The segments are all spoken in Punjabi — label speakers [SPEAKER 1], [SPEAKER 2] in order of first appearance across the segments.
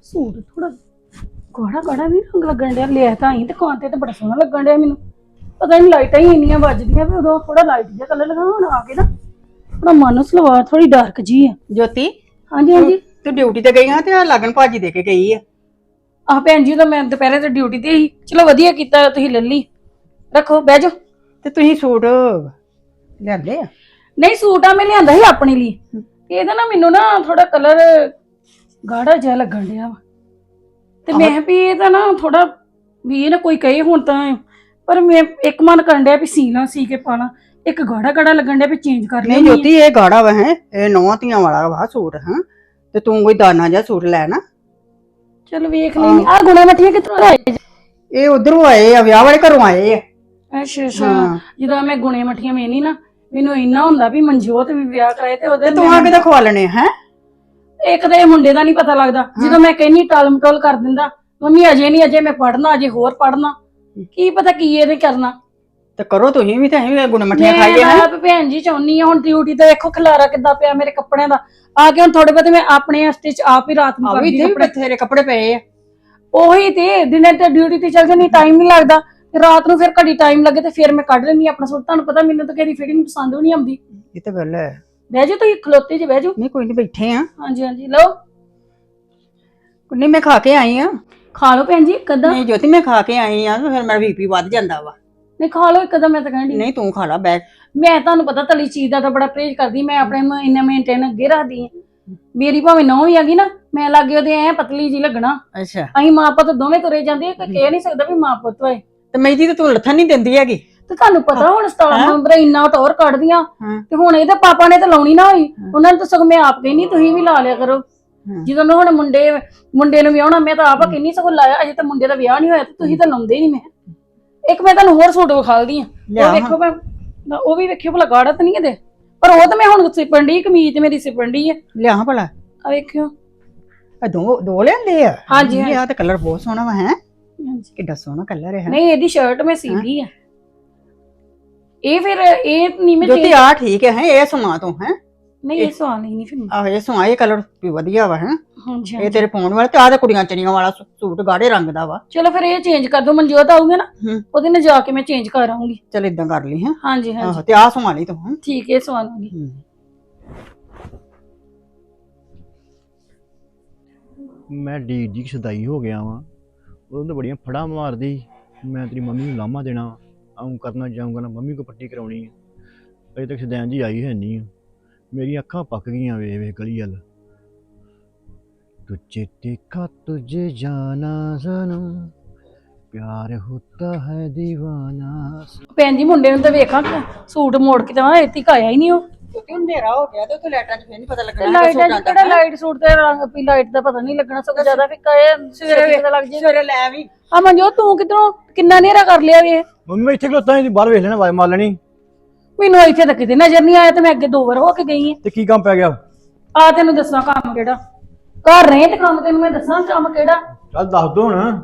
[SPEAKER 1] ਸੂਟ ਥੋੜਾ ਗਾੜਾ ਗਾੜਾ ਵੀ ਰੰਗ ਲੱਗਣ ਡਿਆ ਲਿਆ ਤਾਂ ਹੀ ਦੁਕਾਨ ਤੇ ਬੜਾ ਸੋਹਣਾ ਲੱਗਣ ਡਿਆ ਮੈਨੂੰ ਪਤਾ ਨਹੀਂ ਲਾਈਟਾਂ ਹੀ ਇੰਨੀਆਂ ਵੱਜਦੀਆਂ ਵੀ ਉਦੋਂ ਥੋੜਾ ਲਾਈਟ ਜਿਹਾ ਕਲਰ ਲਗਾ ਹੁਣ ਆ ਕੇ ਨਾ ਥੋੜਾ ਮਨ ਸਲਵਾਰ ਥੋੜੀ ਡਾਰਕ ਜੀ ਆ।
[SPEAKER 2] ਜੋਤੀ
[SPEAKER 1] ਹਾਂਜੀ ਹਾਂਜੀ
[SPEAKER 2] ਤੂੰ ਡਿਊਟੀ ਤੇ ਗਈ ਹਾਂ ਤੇ ਆ ਲਗਨ ਭਾਜੀ ਦੇ ਕੇ ਗਈ ਆ।
[SPEAKER 1] ਆਹ ਭੈਣ ਜੀ ਤਾਂ ਮੈਂ ਦੁਪਹਿਰੇ ਤੇ ਡਿਊਟੀ ਤੇ ਸੀ ਚਲੋ ਵਧੀਆ ਕੀਤਾ ਤੁਸੀਂ ਲੈ ਲਈ ਰੱਖੋ ਬਹਿ ਜਾਓ।
[SPEAKER 2] ਤੇ ਤੁਸੀਂ ਸੂਟ ਲਿਆਂਦੇ ਆ?
[SPEAKER 1] ਨਹੀਂ ਸੂਟ ਆ ਮੈਂ ਲਿਆਂਦਾ ਸੀ ਆਪਣੇ ਲਈ ਇਹਦਾ ਨਾ ਮੈਨੂੰ ਨਾ ਥੋੜਾ ਕਲਰ ਗਾੜਾ ਜਿਹਾ ਲੱਗਣ ਡਿਆ ਵਾ ਤੇ ਮੈਂ ਕਿਹਾ ਵੀ ਇਹਦਾ ਨਾ ਥੋੜਾ ਵੀ ਇਹ ਨਾ ਕੋਈ ਕਹੇ ਹੁਣ ਤਾਂ ਪਰ ਮੈਂ ਇੱਕ ਮਨ ਕਰਨ ਡਿਆ ਵੀ ਸੀਣਾ ਸੀ ਕੇ ਪਾਣਾ ਇੱਕ ਗਾੜਾ ਗਾੜਾ ਲੱਗਣ ਡਿਆ ਵੀ ਚੇਂਜ ਕਰ
[SPEAKER 2] ਨਹੀਂ ਜੋਤੀ ਇਹ ਗਾੜਾ ਵਾ ਹੈ ਇਹ ਨੌਂ ਧੀਆਂ ਵਾਲਾ ਵਾ ਸੂਟ ਹਾਂ ਤੇ ਤੂੰ ਕੋਈ ਦਾਨਾ ਜਿਹਾ ਸੂਟ ਲੈ ਨਾ।
[SPEAKER 1] ਚਲ ਵੇਖ ਲੈਣੀ ਆ ਗੁਣਾ ਮੱਠੀਆਂ ਕਿੱਥੋਂ ਆਏ
[SPEAKER 2] ਇਹ ਉਧਰੋਂ ਆਏ ਆ ਵਿਆਹ ਵਾਲੇ ਘਰੋਂ ਆਏ ਆ।
[SPEAKER 1] ਅੱਛਾ ਅੱਛਾ ਜਦੋਂ ਮੈਂ ਗੁਣੇ ਮੱਠੀਆਂ ਮੇਨੀ ਨਾ ਮੈਨੂੰ ਇੰਨਾ ਹੁੰਦਾ ਵੀ ਮਨਜੋਤ ਵੀ ਵਿਆਹ ਕਰਾਏ ਤੇ ਉਹਦੇ
[SPEAKER 2] ਤੂੰ ਆ ਕੇ ਤਾਂ ਖਵਾ ਲੈਣੇ ਹੈ।
[SPEAKER 1] ਇੱਕ ਤਾਂ ਇਹ ਮੁੰਡੇ ਦਾ ਨਹੀਂ ਪਤਾ ਲੱਗਦਾ ਜਦੋਂ ਮੈਂ ਕਹਿੰਨੀ ਟਾਲ ਮਟੋਲ ਕਰ ਦਿੰਦਾ ਮੰਮੀ ਅਜੇ ਮੈਂ ਪੜਨਾ ਅਜੇ ਹੋਰ ਪੜਨਾ ਕੀ ਪਤਾ ਕੀ ਇਹਨੇ ਕਰਨਾ
[SPEAKER 2] ਤੇ ਕਰੋ ਤੁਸੀਂ ਵੀ ਤੇ ਅਸੀਂ ਵੀ ਗੁਣ ਮੱਠੀਆਂ ਖਾਈਏ
[SPEAKER 1] ਮੈਂ ਆਪ ਭੈਣ ਜੀ ਚਾਹੁੰਨੀ ਆ ਹੁਣ ਡਿਊਟੀ ਤੇ ਵੇਖੋ ਖਲਾਰਾ ਕਿੱਦਾਂ ਪਿਆ ਮੇਰੇ ਕੱਪੜਿਆਂ ਦਾ ਆ ਕੇ ਹੁਣ ਥੋੜੇ ਬਹੁਤੇ ਮੈਂ ਆਪਣੇ ਸਟਿਚ ਆਪ ਹੀ ਰਾਤ ਨੂੰ ਕਰਦੀ
[SPEAKER 2] ਕੱਪੜੇ ਬਥੇਰੇ ਕੱਪੜੇ ਪਏ ਆ।
[SPEAKER 1] ਉਹੀ ਤੇ ਦਿਨੇ ਤੇ ਡਿਊਟੀ ਤੇ ਚੱਲ ਜਾਂਦੀ ਟਾਈਮ ਨਹੀਂ ਲੱਗਦਾ ਤੇ ਰਾਤ ਨੂੰ ਫਿਰ ਘੜੀ ਟਾਈਮ ਲੱਗੇ ਤੇ ਫਿਰ ਮੈਂ ਕੱਢ ਲੈਣੀ ਆਪਣਾ ਸੂਟ ਤੁਹਾਨੂੰ ਪਤਾ ਮੈਨੂੰ ਤਾਂ ਕਿਹਦੀ ਫਿਟਿੰਗ ਪਸੰਦ ਵੀ ਨਹੀਂ ਆਉਂਦੀ।
[SPEAKER 2] ਇਹ ਤਾਂ ਗੱਲ ਹੈ।
[SPEAKER 1] ਬਹਿ ਜਾਓ ਤੁਸੀਂ ਖਲੋਤੇ ਜੇ ਬਹਿ ਜਾਓ।
[SPEAKER 2] ਨਹੀਂ ਕੋਈ ਨਹੀਂ ਬੈਠੇ ਆ।
[SPEAKER 1] ਹਾਂਜੀ ਹਾਂਜੀ ਲਓ
[SPEAKER 2] ਨਹੀਂ ਮੈਂ ਖਾ ਕੇ ਆਈ ਆ।
[SPEAKER 1] ਖਾ ਲਓ ਭੈਣ ਜੀ ਕਦਾਂ
[SPEAKER 2] ਨਹੀਂ ਜੋਤੀ ਮੈਂ ਖਾ ਕੇ ਆਈ ਆ ਫਿਰ ਮੇਰਾ ਬੀਪੀ ਵੱਧ ਜਾਂਦਾ ਵਾ।
[SPEAKER 1] ਨਹੀਂ ਖਾ ਲਓ ਕਦਾਂ ਮੈਂ ਤਾਂ ਕਹਿੰਦੀ
[SPEAKER 2] ਨਹੀਂ ਤੂੰ ਖਾ ਲਾ ਬੈਠ।
[SPEAKER 1] ਮੈਂ ਤੁਹਾਨੂੰ ਪਤਾ ਤਲੀ ਚੀਜ਼ ਦਾ ਤਾਂ ਬੜਾ ਪਰਹੇਜ਼ ਕਰਦੀ ਮੈਂ ਆਪਣੇ ਨੂੰ ਇੰਨਾ ਮੇਨਟੇਨ ਅੱਗੇ ਰੱਖਦੀ ਆ ਮੇਰੀ ਭਾਵੇਂ ਨੌਂ ਵੀ ਹੈਗੀ ਨਾ ਮੈਂ ਲਾਗੇ ਉਹਦੇ ਐ ਪਤਲੀ ਜੀ ਲੱਗਣਾ।
[SPEAKER 2] ਅੱਛਾ
[SPEAKER 1] ਅਸੀਂ ਮਾਂ ਪੁੱਤ ਦੋਵੇਂ ਤੁਰੇ ਜਾਂਦੇ ਕੋਈ ਕਹਿ ਨਹੀਂ ਸਕਦਾ ਵੀ ਮਾਂ ਪੁੱਤ ਹੋਏ
[SPEAKER 2] ਤੇ ਮੈਦੀ ਤੇ ਤੂੰ ਲੱਥਣ ਨਹੀਂ ਦਿੰਦੀ ਹੈਗੀ।
[SPEAKER 1] ਤੇ ਤੁਹਾਨੂੰ ਪਤਾ ਹੁਣ 17 ਨਵੰਬਰ ਇੰਨਾ ਟੌਰ ਕੱਢਦੀਆਂ
[SPEAKER 2] ਹਾਂ।
[SPEAKER 1] ਤੇ ਹੁਣ ਇਹਦੇ ਪਾਪਾ ਨੇ ਤਾਂ ਲਾਉਣੀ ਨਾ ਹੋਈ ਉਹਨਾਂ ਨੇ ਤਾਂ ਸਗੋਂ ਮੈਂ ਆਪ ਕਹਿੰਦੀ ਤੁਸੀਂ ਵੀ ਲਾ ਲਿਆ ਕਰੋ ਜਦੋਂ ਹੁਣ ਮੁੰਡੇ ਨੂੰ ਵਿਆਹਣਾ ਮੈਂ ਤਾਂ ਆਪ ਕਹਿੰਦੀ ਸਗੋਂ ਲਾਇਆ ਅਜੇ ਤਾਂ ਮੁੰਡੇ ਦਾ ਵਿਆਹ ਨਹੀਂ ਹੋਇਆ ਤੇ ਤੁਸੀਂ ਤਾਂ ਲਾਉਂਦੇ ਹੀ ਨਹੀਂ। ਮੈਂ ਇੱਕ ਮੈਂ ਤੁਹਾਨੂੰ ਹੋਰ ਸੂਟ ਵਿਖਾਲਦੀ ਆ ਉਹ ਵੇਖੋ ਮੈਂ ਉਹ ਵੀ ਵੇਖਿਓ ਭਲਾ ਗਾੜਾ ਤਾਂ ਨਹੀਂ ਇਹਦੇ ਪਰ ਉਹ ਤਾਂ ਮੈਂ ਹੁਣ ਸਿਪਣ ਦੀ ਕਮੀਜ਼ ਮੇਰੀ ਸਿਪਣ ਦੀ ਆ
[SPEAKER 2] ਲਿਆ ਭਲਾ
[SPEAKER 1] ਆ ਵੇਖਿਓ
[SPEAKER 2] ਆ ਦੋ ਲਿਆਂਦੇ ਆ।
[SPEAKER 1] ਹਾਂਜੀ
[SPEAKER 2] ਆ ਤੇ ਕਲਰ ਬਹੁਤ ਸੋਹਣਾ ਵਾ ਹੈ ਕਿੱਡਾ ਸੋਹਣਾ ਕਲਰ ਹੈ।
[SPEAKER 1] ਨਹੀਂ ਇਹਦੀ ਸ਼ਰਟ ਮੈਂ ਸੀਦੀ ਆ ਇਹ ਫਿਰ ਇਹ ਨਹੀਂ ਮੈਂ
[SPEAKER 2] ਜੋਤੀ ਆ ਠੀਕ ਹੈ ਇਹ ਸਮਾਂ ਤੋਂ ਹੈ
[SPEAKER 1] ਨਹੀਂ ਇਹ ਸਵਾਲ ਨਹੀਂ ਫਿਰ
[SPEAKER 2] ਆਹ ਇਹ ਸਮਾਂ ਇਹ ਕਲਰ ਵੀ ਵਧੀਆ ਵਾ ਹੈ
[SPEAKER 1] ਹਾਂਜੀ
[SPEAKER 2] ਇਹ ਤੇਰੇ ਪਾਉਣ ਵਾਲਾ ਤੇ ਆਹ ਤੇ ਕੁੜੀਆਂ ਚਣੀਆਂ ਵਾਲਾ ਸੂਟ ਗਾੜੇ ਰੰਗ ਦਾ ਵਾ।
[SPEAKER 1] ਚਲੋ ਫਿਰ ਇਹ ਚੇਂਜ ਕਰ ਦੋ ਮਨਜੋਤ ਆਊਗਾ ਨਾ ਉਹਦੇ ਨਾਲ ਜਾ ਕੇ ਮੈਂ ਚੇਂਜ ਕਰ ਆਉਂਗੀ।
[SPEAKER 2] ਚਲ ਇਦਾਂ ਕਰ ਲਈ ਹੈ।
[SPEAKER 1] ਹਾਂਜੀ ਹਾਂਜੀ
[SPEAKER 2] ਤੇ ਆਹ ਸਵਾ ਲਈ ਤੂੰ
[SPEAKER 1] ਠੀਕ ਹੈ ਸਵਾ ਲਵਾਂਗੀ।
[SPEAKER 3] ਮੈਂ ਡੀ ਸਦਾਈ ਹੋ ਗਿਆ ਵਾਂ ਉਦੋਂ ਤਾਂ ਬੜੀਆਂ ਫੜਾਂ ਮਾਰਦੀ ਮੈਂ ਤੇਰੀ ਮੰਮੀ ਨੂੰ ਲਾਮਾ ਦੇਣਾ ਆਉਂ ਕਰਨਾ ਜਾਊਂਗਾ ਨਾ ਮੰਮੀ ਕੋ ਪੱਟੀ ਕਰਾਉਣੀ ਅਜੇ ਤੱਕ ਸਦੈਨ ਜੀ ਆਈ ਹੈ ਨਹੀਂ ਮੇਰੀਆਂ ਅੱਖਾਂ ਪੱਕ ਗਈਆਂ ਵੇ ਗਲੀ ਵੱਲ ਤੁਝੇ ਦੇਖਾ ਤੁਝੇ ਜਾਨਾ ਸਨਮ ਪਿਆਰ ਹੋਤਾ ਹੈ ਦੀਵਾਨਾ।
[SPEAKER 1] ਭੈਣ ਜੀ ਮੁੰਡੇ ਨੂੰ ਤਾਂ ਵੇਖਾਂ ਸੂਟ ਮੋੜ ਕੇ ਤਾਂ ਇੱਥੇ ਆਇਆ ਹੀ ਨਹੀਂ ਉਹ
[SPEAKER 2] ਕਿਉਂਕਿ ਹਨੇਰਾ ਹੋ ਗਿਆ ਤੇ ਉੱਥੇ ਲਾਈਟਾਂ 'ਚ ਫੇਰ ਨਹੀਂ ਪਤਾ ਲੱਗਣਾ।
[SPEAKER 1] ਲਾਈਟਾਂ 'ਚ ਕਿਹੜਾ ਲਾਈਟ ਸੂਟ ਤੇ ਰੰਗ ਪੀ ਲਾਈਟ ਦਾ ਪਤਾ ਨਹੀਂ ਲੱਗਣਾ ਸਗੋਂ ਜ਼ਿਆਦਾ ਫਿੱਕਾ ਇਹ ਸਵੇਰੇ ਪਤਾ ਲੱਗ ਜੇ।
[SPEAKER 2] ਸਵੇਰੇ ਲੈ ਵੀ
[SPEAKER 1] ਆ ਮਨਜੋਤ ਤੂੰ ਕਿਧਰੋਂ ਕਿੰਨਾ ਹਨੇਰਾ ਕਰ ਲਿਆ ਵੇ
[SPEAKER 3] ਮੰਮੀ ਮੈਂ ਇੱਥੇ ਖਲੋਤਾ ਸੀ ਬਾਹਰ ਵੇਖ ਲੈਣਾ ਆਵਾਜ਼ ਮਾਰ ਲੈਣੀ
[SPEAKER 1] ਮੈਨੂੰ ਇੱਥੇ ਤਾਂ ਕਿਤੇ ਨਜ਼ਰ ਨਹੀਂ ਆਇਆ ਤੇ ਮੈਂ ਅੱਗੇ 2 ਵਾਰ ਹੋ ਕੇ ਗਈ ਆ।
[SPEAKER 3] ਤੇ ਕੀ ਕੰਮ ਪੈ ਗਿਆ?
[SPEAKER 1] ਆ ਤੈਨੂੰ ਦੱਸਾਂ ਕੰਮ ਕਿਹੜਾ ਘਰ ਰਹੇ ਤੇ ਕੰਮ ਤੈਨੂੰ ਮੈਂ ਦੱਸਾਂ ਕੰਮ ਕਿਹੜਾ
[SPEAKER 3] ਚੱਲ ਦੱਸ ਦੋ ਹੁਣ।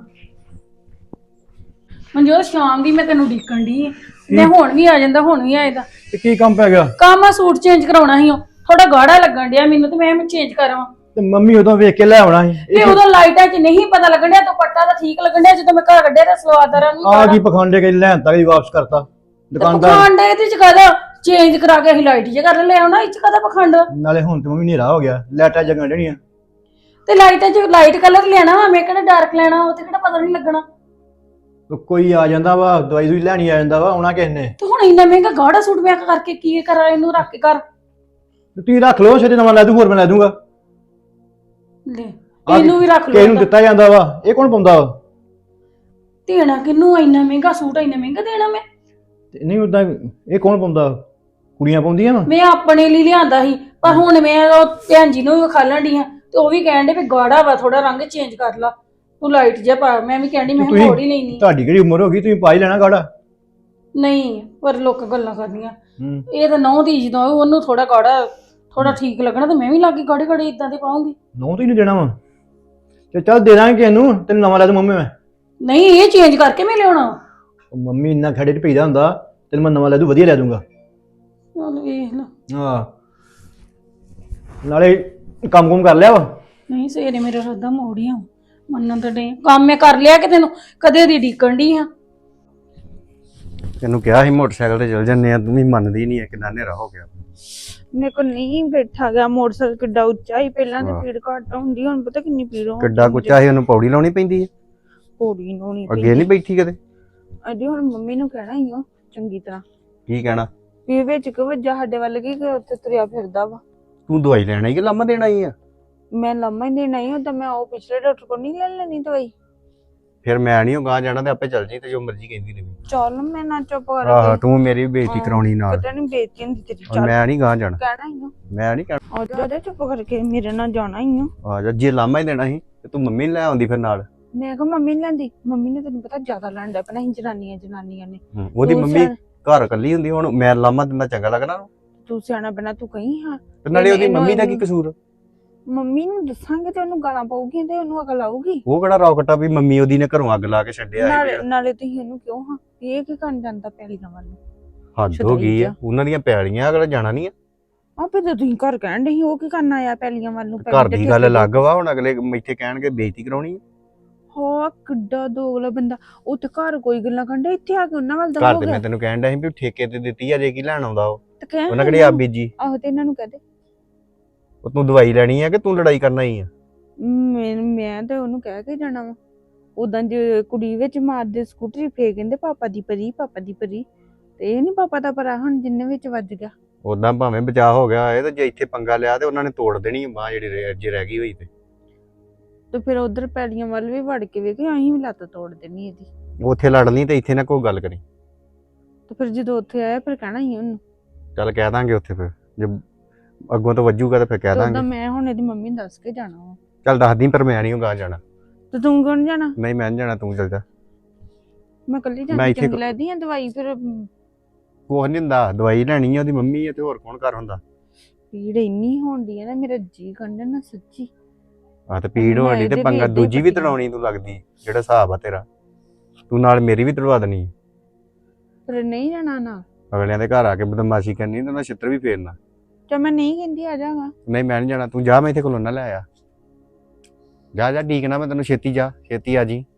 [SPEAKER 1] ਮਨਜੋਤ ਸ਼ਾਮ ਦੀ ਮੈਂ ਤੈਨੂੰ ਡੀਕਣ ਦੀ ਮੈਂ ਹੁਣ ਵੀ ਆ ਜਾਂਦਾ ਹੁਣ ਵੀ ਆਏਦਾ
[SPEAKER 3] ਤੇ ਕੀ ਕੰਮ ਪੈ ਗਿਆ?
[SPEAKER 1] ਕੰਮ ਆ ਸੂਟ ਚੇਂਜ ਕਰਾਉਣਾ ਸੀ ਉਹ ਥੋੜਾ ਗਾੜਾ ਲੱਗਣ ਡਿਆ ਮੈਨੂੰ ਤੇ ਮੈਂ ਚੇਂਜ ਕਰਾਵਾਂ
[SPEAKER 3] ਤੇ ਮੰਮੀ ਉਦੋਂ ਵੇਖ ਕੇ ਲੈ ਆਉਣਾ ਸੀ
[SPEAKER 1] ਤੇ ਉਦੋਂ ਲਾਈਟਾਂ 'ਚ ਨਹੀਂ ਪਤਾ ਲੱਗਣ ਡਿਆ ਦੁਪੱਟਾ ਤਾਂ ਠੀਕ ਲੱਗਣ ਡਿਆ ਜਦੋਂ ਮੈਂ ਘਰ ਕੱਢਿਆ ਤਾਂ ਸਲਵਾਦਾਰਾਂ ਨੂੰ
[SPEAKER 3] ਆ ਕੀ ਪਖੰਡੇ ਕੇ ਲੈਣ ਤੱਕ ਹੀ ਵਾਪਸ ਕਰਤਾ ਦੁਕਾਨਦਾਰ
[SPEAKER 1] ਪਖੰਡ ਇਹਦੇ 'ਚ ਕਾਹਦਾ ਚੇਂਜ ਕਰਾ ਕੇ ਅਸੀਂ ਲਾਈਟ 'ਚ ਕਰ ਲੈ ਆਉਣਾ ਇਹ 'ਚ ਕਾਹਦਾ ਪਖੰਡ
[SPEAKER 3] ਨਾਲੇ ਹੁਣ ਤੇ ਮੰਮੀ ਹਨੇਰਾ ਹੋ ਗਿਆ ਲਾਈਟਾਂ ਜਗਣ ਡਣੀਆਂ
[SPEAKER 1] ਤੇ ਲਾਈਟਾਂ 'ਚ ਲਾਈਟ ਕਲਰ ਲੈਣਾ ਵਾ ਮੈਂ ਕਿਹੜਾ ਡਾਰਕ ਲੈਣਾ ਉਹ ਤੇ ਕਿਹੜਾ ਪਤਾ ਨਹੀਂ ਲੱਗਣਾ।
[SPEAKER 3] ਕੋਈ ਆ ਜਾਂਦਾ ਵਾ ਦਵਾਈ ਦੂਈ ਲੈਣੀ ਆ ਜਾਂਦਾ ਵਾ ਆਉਣਾ ਕਿਸ ਨੇ
[SPEAKER 1] ਤੂੰ ਹੁਣ ਇੰਨਾ ਮਹਿੰਗਾ ਗਾੜਾ ਸੂਟ ਮੈਂ ਕਰਕੇ ਕੀ ਕਰਾਂ ਇਹਨੂੰ ਰੱਖ ਕੇ ਕਰ
[SPEAKER 3] ਤੁਸੀਂ ਰੱਖ ਲਓ ਛੇਤੀ ਨਵਾਂ ਲੈ ਦੂੰ ਹੋਰ ਮੈਂ ਲੈ ਦੂੰਗਾ।
[SPEAKER 1] ਲੈ ਇਹਨੂੰ ਵੀ ਰੱਖ
[SPEAKER 3] ਕਿਸੇ ਨੂੰ
[SPEAKER 1] ਲਓ
[SPEAKER 3] ਦਿੱਤਾ ਜਾਂਦਾ ਵਾ ਇਹ ਕੌਣ ਪਾਉਂਦਾ ਵਾ?
[SPEAKER 1] ਦੇਣਾ ਕਿਹਨੂੰ ਇੰਨਾ ਮਹਿੰਗਾ ਸੂਟ ਇੰਨਾ ਮਹਿੰਗਾ ਦੇਣਾ ਮੈਂ
[SPEAKER 3] ਤੇ ਨਹੀਂ ਉਦਾਂ ਇਹ ਕੌਣ ਪਾਉਂਦਾ? ਕੁੜੀਆਂ ਪਾਉਂਦੀਆਂ ਵਾ।
[SPEAKER 1] ਮੈਂ ਆਪਣੇ ਲਈ ਲਿਆਂਦਾ ਸੀ ਪਰ ਹੁਣ ਮੈਂ ਉਹ ਭੈਣ ਜੀ ਨੂੰ ਵੀ ਵਿਖਾਲਣ ਡਈ ਆ ਤੇ ਉਹ ਵੀ ਕਹਿਣ ਡੇ ਵੀ ਗਾੜਾ ਵਾ ਥੋੜਾ ਰੰਗ ਚੇਂਜ ਕਰ ਲਾ ਤੂੰ ਲਾਈਟ ਜਿਹਾ ਪਾ ਮੈਂ ਵੀ ਕਹਿੰਦੀ ਮੈਂ ਮੋੜ ਹੀ ਲੈਣੀ
[SPEAKER 3] ਤੁਹਾਡੀ ਕਿਹੜੀ ਉਮਰ ਹੋ ਗਈ ਤੁਸੀਂ ਪਾ ਹੀ ਲੈਣਾ ਗਾੜਾ।
[SPEAKER 1] ਨਹੀਂ ਪਰ ਲੋਕ ਗੱਲਾਂ ਕਰਦੀਆਂ ਇਹ ਤਾਂ ਨੌ ਦੀ ਜਦੋਂ ਉਹਨੂੰ ਥੋੜਾ ਗਾੜਾ ਥੋੜਾ ਠੀਕ ਲੱਗਣਾ ਤੇ ਮੈਂ ਵੀ ਲਾਗੇ ਗਾੜੇ ਗਾੜੇ ਇਦਾਂ ਦੇ ਪਾਉਂਗੀ।
[SPEAKER 3] ਨੌ ਤੋਂ ਹੀ ਨਹੀਂ ਦੇਣਾ ਵਾ ਤੇ ਚੱਲ ਦੇ ਦਾਂਗੇ ਇਹਨੂੰ ਤੈਨੂੰ ਨਵਾਂ ਲੈ ਦੂੰ ਮੰਮੀ ਮੈਂ।
[SPEAKER 1] ਨਹੀਂ ਇਹ ਚੇਂਜ ਕਰਕੇ ਮੈਂ ਲਿਆਉਣਾ
[SPEAKER 3] ਉਹ ਮੰਮੀ ਇੰਨਾ ਖੜੇ ਚ ਪਈਦਾ ਹੁੰਦਾ ਤੈਨੂੰ ਮੈਂ ਨਵਾਂ ਲੈ ਦੂੰ ਵਧੀਆ ਲੈ ਦੂੰਗਾ।
[SPEAKER 1] ਚੱਲ ਵੇਖ ਲਾ
[SPEAKER 3] ਹਾਂ ਨਾਲੇ ਕੰਮ ਕੁਮ ਕਰ ਲਿਆ ਵਾ
[SPEAKER 1] ਨਹੀਂ ਸਵੇਰੇ ਮੇਰਾ ਰੱਦਾ ਮੋੜੀਆਂ ਮੰਨਣ ਤਾਂ ਨਹੀਂ ਕੰਮ ਮੈਂ ਕਰ ਲਿਆ ਕਿ ਤੈਨੂੰ ਕਦੇ ਦੀ ਡੀਕਣ ਦੀ ਆ।
[SPEAKER 3] ਤੈਨੂੰ ਕਿਹਾ ਸੀ ਮੋਟਰਸਾਈਕਲ ਤੇ ਚਲ ਜੰਨੇ ਆ, ਤੂੰ ਵੀ ਮੰਨਦੀ ਨਹੀਂ ਐ, ਕਿੰਨਾ ਹਨੇਰਾ ਹੋ ਗਿਆ।
[SPEAKER 4] ਮੇਰੇ ਕੋਲ ਨਹੀਂ ਬੈਠਾ ਗਿਆ ਮੋਟਰਸਾਈਕਲ ਕਿੱਡਾ ਉੱਚਾ ਹੀ, ਪਹਿਲਾਂ ਤੇ ਪੀੜ ਘੱਟ ਹੁੰਦੀ, ਹੁਣ ਪਤਾ ਕਿੰਨੀ ਪੀੜ ਹੋ
[SPEAKER 3] ਕਿੱਡਾ ਕੁੱਚਾ ਸੀ, ਉਹਨੂੰ ਪੌੜੀ ਲਾਉਣੀ ਪੈਂਦੀ ਐ।
[SPEAKER 4] ਪੌੜੀ ਨੂੰ ਨਹੀਂ
[SPEAKER 3] ਅੱਗੇ ਨਹੀਂ ਬੈਠੀ ਕਦੇ?
[SPEAKER 4] ਅਜੇ ਹੁਣ ਮੰਮੀ ਨੂੰ ਕਹਿਣਾ ਹੀ ਉਹ ਚੰਗੀ ਤਰ੍ਹਾਂ
[SPEAKER 3] ਕੀ ਕਹਿਣਾ?
[SPEAKER 4] ਵੀ ਵਿੱਚ ਕਿ ਵੱਜਾ ਸਾਡੇ ਵੱਲ ਕੀ ਕਿ ਉੱਥੇ ਤੁਰਿਆ ਫਿਰਦਾ ਵਾ।
[SPEAKER 3] ਤੂੰ ਦਵਾਈ ਲੈਣ ਆਈ ਕਿ ਲਾਮਾ ਦੇਣ ਆਈ ਆ?
[SPEAKER 4] ਮੈਂ ਲੰਮਾ ਹੀ ਦੇਣਾ ਹੀ ਹੁੰਦਾ, ਮੈਂ ਉਹ ਪਿਛਲੇ ਡਾਕਟਰ ਕੋਲ ਨਹੀਂ ਲੈ ਲੈਣੀ ਦਵਾਈ।
[SPEAKER 3] ਫਿਰ ਮੈਂ ਨਹੀਂ ਗਾਂ ਜਾਣਾ ਤੇ ਆਪੇ ਚੱਲ ਜੀ, ਤੇ ਜੋ ਮਰਜ਼ੀ ਕਹਿੰਦੀ ਰਹੀ।
[SPEAKER 4] ਚੱਲ ਮੈਂ ਨਾ ਚੁੱਪ
[SPEAKER 3] ਆਹ
[SPEAKER 4] ਕਰਕੇ
[SPEAKER 3] ਤੂੰ ਮੇਰੀ ਵੀ ਬੇਇੱਜ਼ਤੀ ਕਰਾਉਣੀ ਨਾਲ।
[SPEAKER 4] ਪਤਾ ਨਹੀਂ ਬੇਇੱਜ਼ਤੀ ਹੁੰਦੀ ਤੇਰੀ।
[SPEAKER 3] ਔਰ
[SPEAKER 4] ਚੱਲ
[SPEAKER 3] ਮੈਂ ਨਹੀਂ ਗਾਂ ਜਾਣਾ,
[SPEAKER 4] ਕਹਿਣਾ ਹੀ ਆ,
[SPEAKER 3] ਮੈਂ ਨਹੀਂ ਕਹਿਣਾ।
[SPEAKER 4] ਆ ਜਾ ਚੁੱਪ ਕਰਕੇ ਮੇਰੇ ਨਾਲ ਜਾਣਾ ਹੀ ਆ।
[SPEAKER 3] ਆ ਜਾ, ਜੇ ਲਾਮਾ ਹੀ ਦੇਣਾ ਸੀ ਤੇ ਤੂੰ ਮੰਮੀ ਨੂੰ ਲੈ ਆਉਂਦੀ ਫਿਰ ਨਾਲ।
[SPEAKER 4] ਮੈਂ ਕਿਹਾ ਮੰਮੀ ਨੀ ਲੈਂਦੀ, ਮੰਮੀ ਨੇ ਤੈਨੂੰ ਪਤਾ ਜ਼ਿਆਦਾ ਲੜਦਾ ਪੈਣਾ ਸੀ ਜਨਾਨੀਆਂ ਨੇ।
[SPEAKER 3] ਉਹਦੀ
[SPEAKER 4] ਤੂੰ
[SPEAKER 3] ਮੰਮੀ
[SPEAKER 4] ਸਿਆਣਾ-
[SPEAKER 3] ਘਰ ਇਕੱਲੀ ਹੁੰਦੀ, ਹੁਣ ਮੈਂ ਲਾਮਾ ਦਿੰਦਾ ਚੰਗਾ ਲੱਗਣਾ ਉਹਨੂੰ?
[SPEAKER 4] ਤੂੰ ਸਿਆਣਾ ਬਣਾ ਤੂੰ ਕਹੀਂ ਹਾਂ।
[SPEAKER 3] ਤੇ ਨਾਲੇ ਉਹਦੀ
[SPEAKER 4] ਇਹਨੂੰ-
[SPEAKER 3] ਮੰਮੀ ਦਾ ਕੀ ਕਸੂਰ?
[SPEAKER 4] ਮੰਮੀ ਨੂੰ ਦੱਸਾਂਗੇ ਤੇ ਉਹਨੂੰ ਗਾਲਾਂ ਪਾਉਗੀ ਤੇ ਉਹਨੂੰ ਅਕਲ ਆਊਗੀ।
[SPEAKER 3] ਉਹ ਕਿਹੜਾ ਰੌਕਟਾ ਵੀ ਮੰਮੀ ਉਹਦੀ ਨੇ ਘਰੋਂ ਅੱਗ ਲਾ ਕੇ ਛੱਡਿਆ
[SPEAKER 4] ਨਾਲੇ
[SPEAKER 3] ਹੈ?
[SPEAKER 4] ਨਾਲੇ ਤੁਸੀਂ ਉਹਨੂੰ ਕਿਉਂ ਹਾਂ ਇਹ ਕੀ ਕਰਨ ਜਾਂਦਾ ਪੈਲੀਆਂ ਵੱਲ ਨੂੰ?
[SPEAKER 3] ਹੱਦ ਹੋ ਗਈ ਆ, ਉਹਨਾਂ ਦੀਆਂ ਪੈਲੀਆਂ, ਅਗਲਾ ਜਾਣਾ ਨਹੀਂ ਆ।
[SPEAKER 4] ਆਪੇ ਤਾਂ ਤੁਸੀਂ ਘਰ ਕਹਿਣ ਦੇ ਸੀ ਉਹ ਕੀ ਕਰਨ ਆਇਆ ਪੈਲੀਆਂ ਵੱਲ ਨੂੰ?
[SPEAKER 3] ਘਰ ਦੀ ਗੱਲ ਅਲੱਗ ਵਾ, ਹੁਣ ਅਗਲੇ ਇੱਥੇ ਕਹਿਣਗੇ ਬੇਇੱਜ਼ਤੀ ਕਰਾਉਣੀ ਆ।
[SPEAKER 4] ਹਾਂ ਕਿੱਡਾ ਦੋਗਲਾ ਬੰਦਾ, ਉੱਥੇ ਘਰ ਕੋਈ ਗੱਲਾਂ ਕਰਦੇ, ਇੱਥੇ ਆ ਕੇ ਉਹਨਾਂ ਵੱਲ ਦਾ
[SPEAKER 3] ਘਰ
[SPEAKER 4] ਹੋ
[SPEAKER 3] ਤੇ
[SPEAKER 4] ਗਿਆ।
[SPEAKER 3] ਮੈਂ ਤੈਨੂੰ ਕਹਿਣ ਡਿਆ ਸੀ ਵੀ ਠੇਕੇ ਤੇ ਦਿੱਤੀ ਆ, ਜੇ ਕੀ ਲੈਣ ਆਉਂਦਾ ਉਹ?
[SPEAKER 4] ਤੇ ਕਹਿਣ
[SPEAKER 3] ਉਹਨਾਂ ਕਿਹੜੀ ਆ ਬੀਜੀ?
[SPEAKER 4] ਆਹੋ ਤੇ ਇਹਨਾਂ ਨੂੰ ਕਹਦੇ
[SPEAKER 3] ਉਹ ਤੂੰ ਦਵਾਈ ਲੈਣੀ ਆ ਕਿ ਤੂੰ ਲੜਾਈ ਕਰਨਾ ਹੀ ਆ?
[SPEAKER 4] ਮੈਂ ਤੇ ਉਹਨੂੰ ਕਹਿ ਕੇ ਜਾਣਾ ਵਾ। ਉਦਾਂ ਜੇ ਕੁੜੀ ਵਿੱਚ ਮਾਰਦੇ ਸਕੂਟਰੀ ਫੇਰ ਕਹਿੰਦੇ ਪਾਪਾ ਦੀ ਪਰੀ ਤੇ ਇਹ ਨਹੀਂ ਪਾਪਾ ਦਾ ਪਰਾ ਹੁਣ ਜਿੰਨੇ ਵਿੱਚ ਵੱਜ ਗਿਆ।
[SPEAKER 3] ਉਦਾਂ ਭਾਵੇਂ ਬਚਾਅ ਹੋ ਗਿਆ ਇਹ, ਤੇ ਜੇ ਇੱਥੇ ਪੰਗਾ ਲਿਆ ਤੇ ਉਹਨਾਂ ਨੇ ਤੋੜ ਦੇਣੀ ਬਾਂਹ ਜਿਹੜੀ ਜੇ ਰਹਿ ਗਈ ਹੋਈ
[SPEAKER 4] ਤੇ ਫਿਰ ਉਧਰ ਪੈਲੀਆਂ ਵੱਲ ਵੀ ਵੜ ਕੇ ਵੇਖੇ, ਅਸੀਂ ਵੀ ਲੱਤ ਤੋੜ ਦੇਣੀ ਇਹਦੀ।
[SPEAKER 3] ਉੱਥੇ ਲੜ ਲਈ ਤੇ ਇੱਥੇ ਨਾ ਕੋਈ ਗੱਲ ਕਰੀ।
[SPEAKER 4] ਤੇ ਫਿਰ ਜਦੋਂ ਉੱਥੇ ਆਇਆ ਫਿਰ ਕਹਿਣਾ ਹੀ ਉਹਨੂੰ।
[SPEAKER 3] ਚੱਲ ਕਹਿ ਦਾਂਗੇ ਉੱਥੇ, ਫਿਰ ਜੇ ਅੱਗੋਂ ਤੋਂ ਵੱਜੂਗਾ ਤਾਂ ਫਿਰ ਕਹਿ
[SPEAKER 4] ਤੇ ਉਦਾਂ
[SPEAKER 3] ਦਾਂਗੇ।
[SPEAKER 4] ਮੈਂ ਹੁਣ ਇਹਦੀ ਮੰਮੀ ਨੂੰ ਦੱਸ ਕੇ ਜਾਣਾ ਵਾ।
[SPEAKER 3] ਚੱਲ ਦੱਸਦੀ, ਪਰ ਮੈਂ ਨਹੀਂ ਗਾਂ ਜਾਣਾ।
[SPEAKER 4] ਤੇ ਤੂੰ ਕਿਉਂ ਨੀ ਜਾਣਾ?
[SPEAKER 3] ਨਹੀਂ ਮੈਂ ਨਹੀਂ ਜਾਣਾ, ਤੂੰ ਚੱਲ ਜਾ।
[SPEAKER 4] ਮੈਂ ਕੱਲੀ
[SPEAKER 3] ਮੈਂ
[SPEAKER 4] ਜਾਂਦੀ
[SPEAKER 3] ਇੱਥੇ
[SPEAKER 4] ਚੰਗੀ ਲੱਗਦੀ ਆ ਦਵਾਈ ਫਿਰ
[SPEAKER 3] ਕੁਛ ਨਹੀਂ ਹੁੰਦਾ, ਦਵਾਈ ਲੈਣੀ ਆ, ਉਹਦੀ ਮੰਮੀ ਆ ਤੇ ਹੋਰ ਕੌਣ ਘਰ ਹੁੰਦਾ?
[SPEAKER 4] ਪੀੜ ਇੰਨੀ ਹੋਣਦੀ ਹੈ ਨਾ, ਮੇਰਾ ਜੀ ਕੰਡਨ ਨਾ ਸੱਚੀ।
[SPEAKER 3] ਆ ਤੇ ਪੀੜ
[SPEAKER 4] ਮੈਂ
[SPEAKER 3] ਹੋਣੀ ਤੇ
[SPEAKER 4] ਇਹਦੇ
[SPEAKER 3] ਪੰਗਾ
[SPEAKER 4] ਵੀ ਏਦਾਂ ਹੀ
[SPEAKER 3] ਦੂਜੀ ਵੀ
[SPEAKER 4] ਪੱਟੀ
[SPEAKER 3] ਤੜਾਉਣੀ ਤੂੰ ਲੱਗਦੀ, ਜਿਹੜਾ ਹਿਸਾਬ ਆ ਤੇਰਾ। ਤੂੰ ਨਾਲ ਮੇਰੀ ਵੀ ਤੜਵਾ ਦੇਣੀ।
[SPEAKER 4] ਫਿਰ ਨਹੀਂ ਜਾਣਾ ਨਾ।
[SPEAKER 3] ਅਗਲਿਆਂ ਦੇ ਘਰ ਆ ਕੇ ਬਦਮਾਸ਼ੀ ਕਰਨੀ ਤੇ ਉਹਨਾਂ ਛਿੱਤਰ ਵੀ ਫੇਰਨਾ।
[SPEAKER 4] ਤੇ ਮੈਂ ਨਹੀਂ ਕਹਿੰਦੀ ਆ ਜਾਗਾ।
[SPEAKER 3] ਨਹੀਂ ਮੈਂ ਨਹੀਂ ਜਾਣਾ, ਤੂੰ ਜਾ, ਮੈਂ ਇੱਥੇ ਕੋਲੋਂ ਨਾ ਲੈ ਆ। ਜਾ ਜਾ, ਠੀਕ ਨਾ, ਮੈਂ ਤੈਨੂੰ ਛੇਤੀ ਜਾ, ਛੇਤੀ ਆ ਜੀ।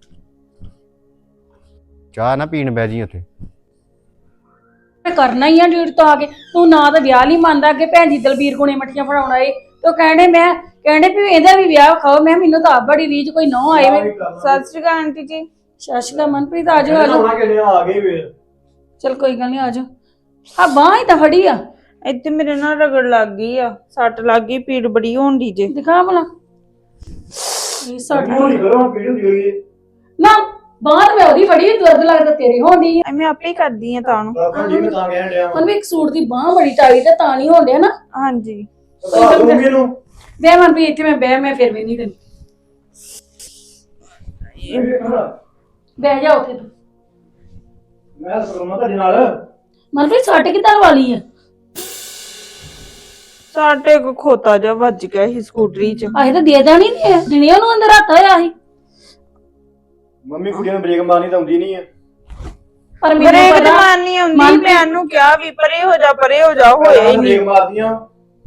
[SPEAKER 3] ਚਾਹ ਨਾ ਪੀਣ ਬਹਿ ਜੀ ਉੱਥੇ।
[SPEAKER 1] ਮੈਂ ਕਰਨਾ ਹੀ ਆ ਡਿਊਟੀ ਤੋਂ ਆ ਕੇ। ਤੂੰ ਨਾ ਤਾਂ ਵਿਆਹ ਨਹੀਂ ਮੰਨਦਾ, ਅੱਗੇ ਭੈਣ ਜੀ ਦਲਬੀਰ ਕੋਲੇ ਮੱਠੀਆਂ ਫੜਾਉਣਾ ਏ ਤੇ ਉਹ ਕਹਿੰਦੇ ਵੀ ਇਹਦਾ ਵੀ ਵਿਆਹ ਖਾਓ। ਮੈਂ ਮੈਨੂੰ ਤਾਂ ਆਪ ਬੜੀ ਰੀਝ ਕੋਈ ਨਹੁੰ ਆਏ ਵੇ।
[SPEAKER 4] ਸਤਿ ਸ਼੍ਰੀ ਅਕਾਲ ਆਂਟੀ ਜੀ।
[SPEAKER 1] ਸਤਿ ਸ਼੍ਰੀ ਅਕਾਲ ਮਨਪ੍ਰੀਤ, ਆ ਜਾਓ
[SPEAKER 5] ਆ ਗਏ ਵੇ।
[SPEAKER 1] ਚਲ ਕੋਈ ਗੱਲ ਨਹੀਂ, ਆ ਜਾਓ। ਆ ਬਾਂਹ ਹੀ ਤਾਂ ਫੜੀ ਆ,
[SPEAKER 4] ਇੱਥੇ ਮੇਰੇ ਨਾਲ ਰਗੜ ਲੱਗ ਗਈ ਆ, ਸੱਟ ਲੱਗ ਗਈ, ਪੀੜ ਬੜੀ ਹੋਣਦੀ ਜੇ।
[SPEAKER 1] ਦਿਖਾ ਭਲਾ। ਇਹ ਸਾਡੀ
[SPEAKER 5] ਨਹੀਂ ਕਰੋ ਪੀੜ ਹੁੰਦੀ ਹੋਈ
[SPEAKER 1] ਨਾ ਬਾਂਹ ਤਾਂ ਮੈਂ ਉਹਦੀ ਫੜੀ, ਦਰਦ ਲੱਗਦਾ ਤੇਰੀ ਹੋਣੀ ਆ।
[SPEAKER 4] ਮੈਂ ਆਪੇ ਹੀ ਕਰਦੀ ਆ ਤਾਂ ਨੂੰ।
[SPEAKER 5] ਆਪਾਂ ਜੀ ਮੈਂ ਤਾਂ ਕਹਿਣ ਡਿਆ
[SPEAKER 1] ਮਨ ਵੀ ਇੱਕ ਸੂਟ ਦੀ ਬਾਂਹ ਬੜੀ ਟਾਈ ਤੇ ਤਾਂ ਨਹੀਂ ਹੋਣ ਡਿਆ ਨਾ।
[SPEAKER 4] ਹਾਂਜੀ
[SPEAKER 5] ਆ ਦੂੰਗੀ ਇਹਨੂੰ।
[SPEAKER 1] ਬਹਿ ਮਨਪ੍ਰੀਤ ਇੱਥੇ, ਮੈਂ ਮੈਂ ਫਿਰ ਵੀ ਨਹੀਂ ਤੈਨੂੰ। ਬਹਿ ਜਾ ਉੱਥੇ ਤੂੰ।
[SPEAKER 5] ਮੈਂ ਸਰਮਾ ਤੁਹਾਡੇ ਨਾਲ।
[SPEAKER 1] ਮਨਪ੍ਰੀਤ ਸੱਟ ਕਿੱਦਾਂ ਵਾਲੀ ਆ?
[SPEAKER 4] ਸਾਡੇ ਕੋ ਖੋਤਾ ਜਿਹਾ ਵੱਜ ਗਿਆ ਸੀ ਸਕੂਟਰੀ 'ਚ।
[SPEAKER 1] ਆਹੇ ਤਾਂ ਦੇ ਦੇਣੀ ਨਹੀਂ, ਦਿਨੇ ਉਹਨੂੰ ਅੰਦਰ ਹੱਥ ਹੋਇਆ ਸੀ।
[SPEAKER 5] ਮੰਮੀ ਕੁੜੀਆਂ ਨੂੰ ਬ੍ਰੇਕ ਮਾਰਨੀ ਤਾਂ ਆਉਂਦੀ ਨਹੀਂ ਹੈ।
[SPEAKER 1] ਪਰ ਮੈਨੂੰ
[SPEAKER 4] ਬ੍ਰੇਕ ਤੇ
[SPEAKER 1] ਪਤਾ
[SPEAKER 4] ਮਾਰਨੀ ਆਉਂਦੀ, ਮੈਂ ਉਹਨੂੰ ਕਿਹਾ ਵੀ ਪਰੇ ਹੋ ਜਾ ਹੋਇਆ ਹੀ ਨਹੀਂ।
[SPEAKER 5] ਬ੍ਰੇਕ ਮਾਰਦੀਆਂ।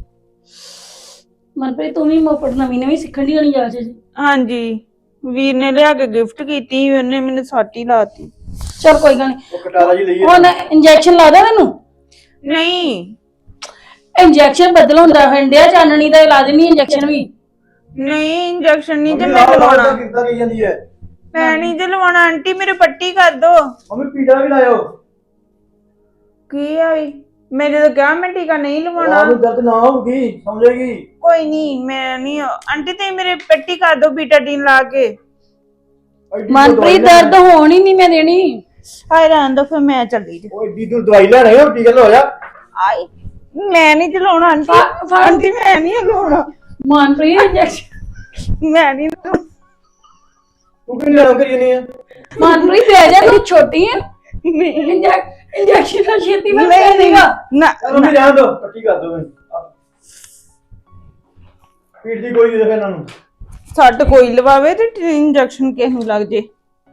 [SPEAKER 1] ਮਨਪ੍ਰੀਤ ਤੂੰ ਵੀ ਮੋਪੜ ਨਵੀਂ ਸਿੱਖਣ ਦੀ ਹੋਣੀ ਜਾ ਜੀ।
[SPEAKER 4] ਹਾਂਜੀ ਵੀਰ ਨੇ ਲਿਆ ਕੇ ਗਿਫਟ ਕੀਤੀ, ਉਹਨੇ ਮੈਨੂੰ ਸਾਟੀ ਲਾਤੀ।
[SPEAKER 1] ਚਲ ਕੋਈ ਗੱਲ ਨਹੀਂ,
[SPEAKER 5] ਉਹ ਕਟਾਰਾ ਜੀ ਲਈ
[SPEAKER 1] ਹੁਣ ਇੰਜੈਕਸ਼ਨ ਲਾ ਦਾਂ ਤੈਨੂੰ?
[SPEAKER 4] ਨਹੀਂ
[SPEAKER 1] ਇੰਜੈਕਸ਼ਨ ਬਦਲ ਹੁੰਦਾ, ਹੰਡਿਆ ਚਾਨਣੀ ਦਾ ਇਲਾਜ ਨਹੀਂ ਇੰਜੈਕਸ਼ਨ ਵੀ।
[SPEAKER 4] ਨਹੀਂ ਇੰਜੈਕਸ਼ਨ ਨਹੀਂ ਜੇ ਮੈਂ ਲਵਾਉਣਾ,
[SPEAKER 5] ਕਿੱਦਾਂ ਕਹੀ ਜਾਂਦੀ ਹੈ?
[SPEAKER 4] ਮੈਂ ਨਹੀਂ ਜੇ ਲਵਾਉਣਾ। ਆਂਟੀ ਮੇਰੇ ਪੱਟੀ ਕਰ ਦੋ।
[SPEAKER 5] ਮੰਮੀ ਪੀੜਾ ਵੀ ਲਾਇਓ।
[SPEAKER 4] ਕੀ ਆ ਵੀ ਮੈਂ ਜਦੋਂ ਕਿਹਾ ਮੈਂ ਟੀਕਾ ਨਹੀਂ ਲਵਾਉਣਾ।
[SPEAKER 5] ਆਹ ਨੂੰ ਦਰਦ ਨਾ ਹੋਊਗੀ, ਸਮਝੇਗੀ।
[SPEAKER 4] ਕੋਈ ਨਹੀਂ ਮੈਂ ਨਹੀਂ। ਆਂਟੀ ਤੇ ਮੇਰੇ ਪੱਟੀ ਕਰ ਦੋ ਬੀਟਾਡੀਨ ਲਾ ਕੇ।
[SPEAKER 1] ਮਨਪ੍ਰੀਤ ਦਰਦ ਹੋਣ ਹੀ ਨਹੀਂ ਮੈਂ ਦੇਣੀ।
[SPEAKER 4] ਹਾਏ ਰਹਿਣ ਦੋ ਫਿਰ ਮੈਂ ਚੱਲੀ ਜੀ।
[SPEAKER 5] ਉਹ ਏਡੀ ਦੂਰ ਦਵਾਈ ਲੈਣ ਆਏ ਹੋ, ਟੀਕਾ ਲਵਾ ਜਾ।
[SPEAKER 4] ਆਈ ਮੈਂ ਨਹੀਂ ਚਲਾਉਣਾ ਆਂਟੀ। ਆਂਟੀ ਮੈਂ ਨਹੀਂ ਲਵਾਉਣਾ।
[SPEAKER 1] ਮਨਪ੍ਰੀਤ ਇੰਜੈਕਸ਼ਨ
[SPEAKER 4] ਮੈਂ ਨਹੀਂ
[SPEAKER 5] ਤੂੰ ਕਿਉਂ ਲੈਣ ਕਰੀ ਜਾਂਦੀ ਹੈ?
[SPEAKER 1] ਮਨਪ੍ਰੀਤ ਬਹਿ ਜਾ, ਤੂੰ ਛੋਟੀ ਹੈ। ਇੰਜੈਕਸ਼ਨ ਦਾ ਛੇਤੀ ਮੈਂ ਦੇ ਦੇਗਾ
[SPEAKER 4] ਨਾ।
[SPEAKER 5] ਮੰਮੀ ਰਹਿਣ ਦੋ, ਪੱਟੀ ਕਰ ਦੋ ਮੈਨੂੰ। ਪੀੜ ਦੀ ਕੋਈ ਨਹੀਂ ਦੇਖ ਇਹਨਾਂ ਨੂੰ।
[SPEAKER 4] ਸੱਟ ਕੋਈ ਲਵਾਵੇ ਤੇ ਇੰਜੈਕਸ਼ਨ ਕਿਸ ਨੂੰ ਲੱਗ ਜੇ।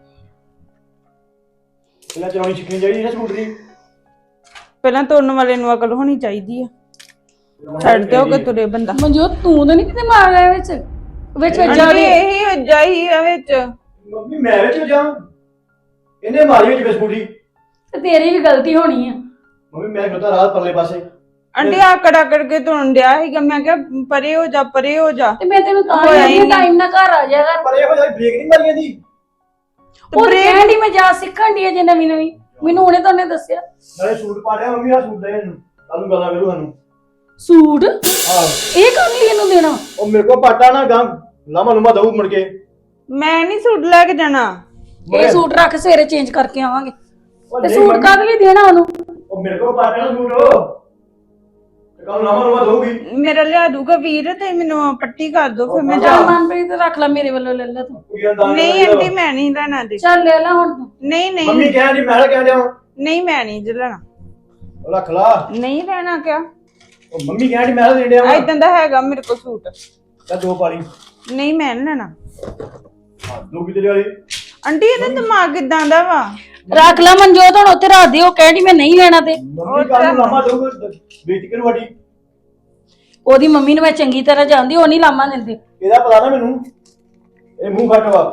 [SPEAKER 5] ਇਹਨਾਂ ਚਲਾਉਣੀ ਸਿੱਖਣੀ ਚਾਹੀਦੀ ਨਾ ਸਕੂਟਰੀ।
[SPEAKER 4] ਪਹਿਲਾਂ ਤੁਰਨ ਵਾਲੇ ਨੂੰ ਅਕਲ ਹੋਣੀ ਚਾਹੀਦੀ ਆ। ਛੱਡ ਦਿਓ ਕਿ ਤੁਰੇ ਬੰਦਾ।
[SPEAKER 1] ਮਨਜੋਤ ਤੂੰ ਤਾਂ ਨਹੀਂ ਕਿਤੇ ਮਾਰ ਗਿਆ ਵਿੱਚ? ਵਿੱਚ
[SPEAKER 4] ਆਂਟੀ
[SPEAKER 1] ਜਾ ਵੀ
[SPEAKER 4] ਇਹੀ ਵੱਜਾ ਹੀ ਆ ਵਿੱਚ।
[SPEAKER 5] ਮੰਮੀ ਮੈਂ ਵਿੱਚ ਜਾ, ਇਹਨੇ ਮਾਰੀ ਵਿੱਚ ਬਿਸਕੁਟੀ।
[SPEAKER 1] ਤੇ ਤੇਰੀ ਵੀ ਗਲਤੀ ਹੋਣੀ ਆ।
[SPEAKER 5] ਮੰਮੀ ਮੈਂ ਖਲੋਤਾ ਰਾਤ ਪਰਲੇ ਪਾਸੇ।
[SPEAKER 4] ਆਂਟੀ ਆਕੜ ਆਕੜ ਕੇ ਤੁਰਨ ਡਿਆ ਸੀਗਾ, ਮੈਂ ਕਿਹਾ ਪਰੇ ਹੋ ਜਾ ਪਰੇ ਹੋ ਜਾ।
[SPEAKER 1] ਤੇ ਮੈਂ ਤੈਨੂੰ ਤਾਂ
[SPEAKER 4] ਹੋਇਆ ਹੀ
[SPEAKER 1] ਹੀ
[SPEAKER 4] ਨਹੀਂ।
[SPEAKER 1] ਟਾਈਮ ਨਾਲ ਘਰ ਆ ਜਾ ਕਰ।
[SPEAKER 5] ਪਰ ਇਹੋ ਜਿਹਾ ਬ੍ਰੇਕ ਨਹੀਂ ਮਾਰੀ ਜਾਂਦੀ।
[SPEAKER 1] ਉਹ ਕਹਿਣ ਦੀ ਮੈਂ ਜਾ ਸਿੱਖਣ ਦੀ ਜੇ ਨਵੀਂ ਨਵੀਂ, ਮੈਨੂੰ ਹੁਣੇ ਤਾਂ ਉਹਨੇ ਦੱਸਿਆ।
[SPEAKER 5] ਨਾਲੇ ਸੂਟ ਪਾ ਲਿਆ ਮੰਮੀ, ਆ ਸੂਟ ਦੇ ਇਹਨੂੰ, ਤੁਹਾਨੂੰ ਗਾਲਾਂ ਕਰੂ ਸਾਨੂੰ।
[SPEAKER 1] ਸੂਟ
[SPEAKER 5] ਆਹ
[SPEAKER 1] ਇਹ ਕੰਮ ਲਈ ਇਹਨੂੰ ਦੇਣਾ?
[SPEAKER 5] ਉਹ ਮੇਰੇ ਕੋਲ ਪਾਟਾ ਨਾ ਗਾਂ ਲਾਮਾ ਲੁਮਾ ਦਊ ਮੁੜ ਕੇ।
[SPEAKER 4] ਮੈਂ ਨਹੀਂ ਸੂਟ ਲੈ ਕੇ ਜਾਣਾ।
[SPEAKER 1] ਇਹ ਸੂਟ ਰੱਖ, ਸਵੇਰੇ ਚੇਂਜ ਕਰਕੇ ਆਵਾਂਗੇ।
[SPEAKER 5] ਉਹ
[SPEAKER 1] ਤੇ
[SPEAKER 5] ਨਹੀਂ
[SPEAKER 1] ਸੂਟ
[SPEAKER 5] ਮੰਮੀ,
[SPEAKER 1] ਕਾਹਦੇ ਲਈ ਦੇਣਾ ਉਹਨੂੰ?
[SPEAKER 5] ਉਹ ਮੇਰੇ ਕੋਲ ਪਾਟਾ ਨਾ ਸੂਟ ਤੇ ਕੱਲ ਲਾਮਾ ਲੁਮਾ ਦਊਗੀ।
[SPEAKER 4] ਮੇਰਾ ਲਿਆ ਦੂਗਾ ਵੀਰ ਤੇ ਮੈਨੂੰ ਪੱਟੀ ਕਰ ਦੋ ਫਿਰ ਮੈਂ
[SPEAKER 1] ਚੱਲ
[SPEAKER 4] ਜਾ।
[SPEAKER 1] ਮਨਪ੍ਰੀਤ ਰੱਖ ਲੈ, ਮੇਰੇ ਵੱਲੋਂ ਲੈ ਲੈ ਤੂੰ।
[SPEAKER 5] ਕੁੜੀਆਂ ਦਾ
[SPEAKER 4] ਨਹੀਂ ਆਂਟੀ ਮੈਂ ਨਹੀਂ ਲੈਣਾ ਦੇ।
[SPEAKER 1] ਚੱਲ ਲੈ ਲੈ ਹੁਣ ਤੂੰ।
[SPEAKER 4] ਨਹੀਂ ਨਹੀਂ
[SPEAKER 5] ਮੰਮੀ ਕਹਿਣ ਦੀ ਮੈਂ ਕਹਿਣ ਦਿਆਂ
[SPEAKER 4] ਨਹੀਂ ਮੈਂ ਨਹੀਂ ਲੈਣਾ।
[SPEAKER 5] ਉਹ ਰੱਖ ਲਾ।
[SPEAKER 4] ਨਹੀਂ ਲੈਣਾ ਕਿਆ?
[SPEAKER 5] ਉਹ ਮੰਮੀ ਕਹਿਣ ਦੀ ਮੈਂ ਦੇਣ ਡਿਆ ਵਾਂ।
[SPEAKER 4] ਇਦਾਂ ਦਾ ਹੈਗਾ ਮੇਰੇ ਕੋਲ ਸੂਟ।
[SPEAKER 5] ਚੱਲ ਦੋ ਪਾਲੀ।
[SPEAKER 4] ਨਹੀਂ ਮੈਂ ਨੀ ਲੈਣਾ।
[SPEAKER 5] ਦੋ ਕਿਤੇ ਵਾਲੀ।
[SPEAKER 4] ਆਂਟੀ ਇਹਦਾ ਦਿਮਾਗ ਕਿਦਾਂ ਦਾ ਵਾ?
[SPEAKER 1] ਰੱਖ ਲੈ ਮਨਜੋਤ, ਹੁਣ ਉੱਥੇ ਰੱਖ ਦੇ। ਉਹ ਕਹਿਣੀ ਮੈਂ ਨਹੀਂ ਲੈਣਾ ਤੇ
[SPEAKER 5] ਮੰਮੀ ਕੱਲ ਨੂੰ ਲਾਮਾ ਦਊਗਾ ਵੇਚ ਕੇ ਵੱਡੀ।
[SPEAKER 1] ਉਹਦੀ ਮੰਮੀ ਨੂੰ ਮੈਂ ਚੰਗੀ ਤਰ੍ਹਾਂ ਜਾਣਦੀ, ਉਹ ਨਹੀਂ ਲਾਮਾ ਦਿੰਦੇ।
[SPEAKER 5] ਇਹਦਾ ਪਤਾ ਨਾ ਮੈਨੂੰ, ਇਹ ਮੂੰਹ ਫੱਟ ਵਾ।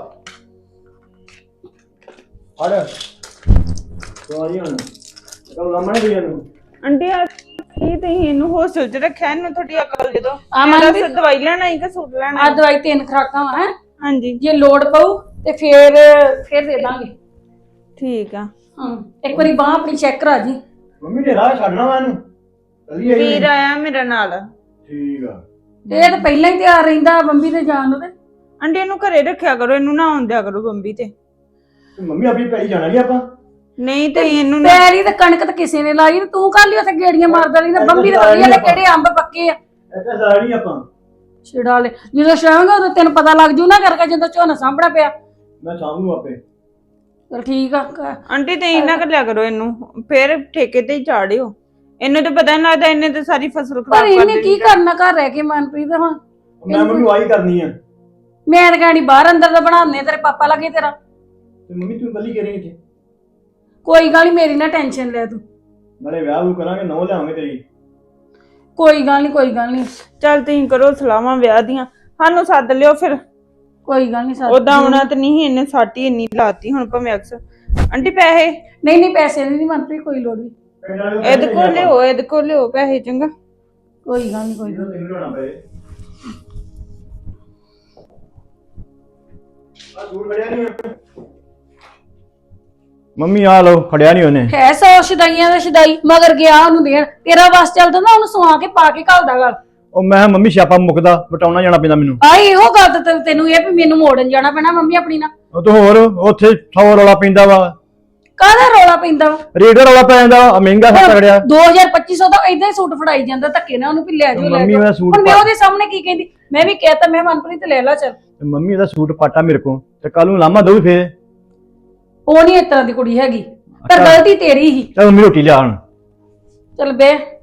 [SPEAKER 5] ਹੜ ਸਵਾਰੀ ਹੁਣ ਕੱਲ ਲਾਮਾ ਨਹੀਂ ਦੇਣ ਨੂੰ।
[SPEAKER 4] ਆਂਟੀ ਆ ਕੀ ਤੁਸੀਂ ਇਹਨੂੰ ਹੋਸਟਲ 'ਚ ਰੱਖਿਆ? ਇਹਨੂੰ ਥੋੜੀ ਅਕਲ ਦੇ ਦੋ।
[SPEAKER 1] ਆ
[SPEAKER 4] ਮੇਰਾ
[SPEAKER 1] ਮਨਪ੍ਰੀਤ,
[SPEAKER 4] ਸਿਰ ਦਵਾਈ ਲੈਣਾ ਹੈ ਕਿ ਸੂਟ ਲੈਣਾ
[SPEAKER 1] ਆ
[SPEAKER 4] ਹੈ?
[SPEAKER 1] ਦਵਾਈ 3 ਖੁਰਾਕਾਂ ਵਾ ਹੈ।
[SPEAKER 4] ਹਾਂਜੀ
[SPEAKER 1] ਜੇ ਲੋੜ ਪਊ ਤੇ ਫੇਰ ਦੇ ਦਾਂਗੇ।
[SPEAKER 4] ਠੀਕ ਆ।
[SPEAKER 1] ਹਾਂ, ਇੱਕ ਵਾਰੀ ਬਾਹ ਆਪਣੀ ਚੈੱਕ ਕਰਾ ਜੀ।
[SPEAKER 5] ਮੰਮੀ ਨੇ ਰਾਹ ਛੱਡਣਾ ਵਾ ਇਹਨੂੰ। ਚੱਲੀਏ
[SPEAKER 4] ਵੀਰ ਆਇਆ ਮੇਰੇ ਨਾਲ।
[SPEAKER 5] ਠੀਕ ਆ।
[SPEAKER 1] ਇਹ ਤਾਂ ਪਹਿਲਾਂ ਹੀ ਤਿਆਰ ਰਹਿੰਦਾ ਬੰਬੀ ਤੇ ਜਾਣ ਨੂੰ। ਤੇ
[SPEAKER 4] ਆਂਟੀ ਇਹਨੂੰ ਘਰੇ ਰੱਖਿਆ ਕਰੋ, ਇਹਨੂੰ ਨਾ ਆਉਣ ਦਿਆ ਕਰੋ ਬੰਬੀ ਤੇ।
[SPEAKER 5] ਤੇ ਮੰਮੀ ਆਪਣੀ ਪੈਲੀ ਜਾਣਾ ਨਹੀਂ ਆਪਾਂ।
[SPEAKER 4] ਨਹੀਂ ਤੇ ਇਹਨੂੰ ਨਾ
[SPEAKER 1] ਪੈਰੀ ਤੇ ਕਣਕ ਤੇ ਕਿਸੇ ਨੇ ਲਾਈ, ਤੂੰ ਕਰ ਲਈ ਉੱਥੇ ਗੇੜੀਆਂ ਮਾਰਦਾ ਰਹੀ ਨਾ। ਬੰਬੀ ਦੇ ਵਧੀਆ ਨੇ ਕਿਹੜੇ ਅੰਬ ਪੱਕੇ ਆ
[SPEAKER 5] ਇੱਥੇ ਸਾਰਾ ਨਹੀਂ ਆਪਾਂ।
[SPEAKER 1] ਛਿੜਾ ਲੈ। ਜਦੋਂ ਛਾਵਾਂਗਾ ਉਦੋਂ ਤੈਨੂੰ ਪਤਾ ਲੱਗ ਜੂ ਨਾ, ਕਰਕੇ ਜਦੋਂ ਝੋਨਾ ਸਾਂਭਣਾ ਪਿਆ।
[SPEAKER 5] ਮੈਂ ਸ਼ਾਮ ਨੂੰ ਆਪੇ।
[SPEAKER 1] ਚਲ ਠੀਕ ਆ।
[SPEAKER 4] ਆਂਟੀ ਤੇ ਇਹਨਾਂ ਕਰ ਲਿਆ ਕਰੋ ਇਹਨੂੰ, ਫਿਰ ਠੇਕੇ ਤੇ ਹੀ ਚਾੜਿਓ। ਇਹਨੂੰ ਤਾਂ ਪਤਾ ਨਹੀਂ ਲੱਗਦਾ, ਇਹਨੇ ਤਾਂ ਸਾਰੀ ਫਸਲ
[SPEAKER 1] ਪਰ
[SPEAKER 4] ਖਰਾਬ ਕਰ
[SPEAKER 1] ਇਹਨੇ
[SPEAKER 4] ਦਿੱਤੀ।
[SPEAKER 1] ਕੀ ਕਰਨਾ ਘਰ ਰਹਿ ਕੇ ਮਨਪ੍ਰੀਤ? ਹੁਣ
[SPEAKER 5] ਮੈਂ ਮੰਮੀ ਆਹੀ ਕਰਨੀ ਆ।
[SPEAKER 1] ਮੈਂ ਤਾਂ ਕਹਿਣੀ ਬਾਹਰ ਅੰਦਰ ਦਾ ਬਣਾਉਂਦੇ ਤੇਰੇ ਪਾਪਾ ਲੱਗੇ ਤੇਰਾ।
[SPEAKER 5] ਤੇ ਮੰਮੀ ਤੂੰ ਕੱਲੀ ਕਰੀ ਇੱਥੇ।
[SPEAKER 1] ਕੋਈ ਗੱਲ ਨਹੀਂ, ਮੇਰੀ ਨਾ ਟੈਨਸ਼ਨ ਲੈ ਤੂੰ।
[SPEAKER 5] ਨਾਲੇ ਵਿਆਹ ਵੀ ਕਰਾਂਗੇ, ਨੌ ਲਿਆਵਾਂਗੇ ਤੇਰੀ।
[SPEAKER 1] ਕੋਈ ਗੱਲ ਨਹੀਂ, ਕੋਈ ਗੱਲ ਨਹੀਂ,
[SPEAKER 4] ਚੱਲ ਤੁਸੀਂ ਕਰੋ ਸਲਾਹਾਂ ਵਿਆਹ ਦੀਆਂ, ਸਾਨੂੰ ਸੱਦ ਲਿਓ ਫਿਰ।
[SPEAKER 1] ਕੋਈ ਗੱਲ ਨਹੀਂ।
[SPEAKER 4] ਉਦਾਂ ਆਉਣਾ ਤੇ ਨਹੀਂ, ਇਹਨੇ ਸਾਟੀ ਇੰਨੀ ਲਾਤੀ ਹੁਣ ਭਾਵੇਂ ਅਕਸਰ। ਆਂਟੀ ਪੈਸੇ
[SPEAKER 1] ਨਹੀਂ ਨਹੀਂ, ਪੈਸੇ ਨਹੀਂ ਮਨਪ੍ਰੀਤ, ਕੋਈ ਲੋੜ ਨਹੀਂ।
[SPEAKER 4] ਇਹਦੇ ਕੋਲ ਲਿਓ, ਇਹਦੇ ਕੋਲ ਲਿਓ ਪੈਸੇ। ਚੰਗਾ
[SPEAKER 1] ਕੋਈ ਗੱਲ ਨਹੀਂ, ਕੋਈ ਗੱਲ
[SPEAKER 5] ਤੈਨੂੰ ਲਿਆਉਣਾ ਪਏ। ਆ ਦੂਰ ਵੜਿਆ ਨਹੀਂ ਮੰਮੀ, ਆ ਲਓ, ਖੜਿਆ ਨਹੀਂ ਉਹਨੇ।
[SPEAKER 1] ਹੈ 100 ਸ਼ਦਾਈਆਂ ਦਾ ਸ਼ਦਾਈ ਮਗਰ ਗਿਆ ਉਹਨੂੰ ਦੇਣ। ਤੇਰਾ ਬਸ ਚੱਲਦਾ ਨਾ, ਉਹਨੂੰ ਸਵਾ ਕੇ ਪਾ ਕੇ ਘੱਲਦਾ ਗੱਲ।
[SPEAKER 5] ਉਹ ਮੈਂ ਮੰਮੀ ਛਾਪਾ ਮੁੱਕਦਾ, ਵਟਾਉਣਾ ਜਾਣਾ ਪੈਂਦਾ ਮੈਨੂੰ।
[SPEAKER 1] ਆਈ ਇਹੋ ਗੱਲ ਤਾਂ ਤੈਨੂੰ ਇਹ ਵੀ ਮੈਨੂੰ ਮੋੜਨ ਜਾਣਾ ਪੈਣਾ ਮੰਮੀ ਆਪਣੀ ਨਾਲ।
[SPEAKER 5] ਉਹ ਤੋਂ ਹੋਰ ਉੱਥੇ 100 ਰੌਲਾ ਪੈਂਦਾ ਵਾ,
[SPEAKER 1] ਕਾਹਦਾ ਰੌਲਾ ਪੈਂਦਾ ਵਾ?
[SPEAKER 5] ਰੇਟ ਰੌਲਾ ਪੈ ਜਾਂਦਾ, ਮਹਿੰਗਾ ਸੱਤ ਤਗੜਿਆ।
[SPEAKER 1] 2000-2500 ਦਾ ਇਦਾਂ ਹੀ ਸੂਟ ਫੜਾਈ ਜਾਂਦਾ ਧੱਕੇ ਨਾਲ ਉਹਨੂੰ, ਵੀ ਲੈ ਜਾਓ ਲੈ
[SPEAKER 5] ਮੰਮੀ
[SPEAKER 1] ਜਾਓ।
[SPEAKER 5] ਮੈਂ ਸੂਟ
[SPEAKER 1] ਹੁਣ ਮੈਂ ਉਹਦੇ ਸਾਹਮਣੇ ਕੀ ਕਹਿੰਦੀ? ਮੈਂ ਵੀ ਕਹਿਤਾ, ਮੈਂ ਮਨਪ੍ਰੀਤ ਲੈ ਲਾ ਚੱਲ।
[SPEAKER 5] ਮੰਮੀ ਇਹਦਾ ਸੂਟ ਪਾਟਾ ਮੇਰੇ ਕੋਲ, ਤੇ ਕੱਲ ਨੂੰ ਲਾਮਾ ਦਊ ਫੇਰ।
[SPEAKER 1] ਉਹ ਨਹੀਂ ਇਸ ਤਰ੍ਹਾਂ ਦੀ ਕੁੜੀ ਹੈਗੀ, ਪਰ ਗਲਤੀ ਤੇਰੀ ਹੀ।
[SPEAKER 5] ਚੱਲ ਮੰਮੀ ਰੋਟੀ ਲਿਆ ਹੁਣ।
[SPEAKER 1] ਚੱਲ ਬੇ।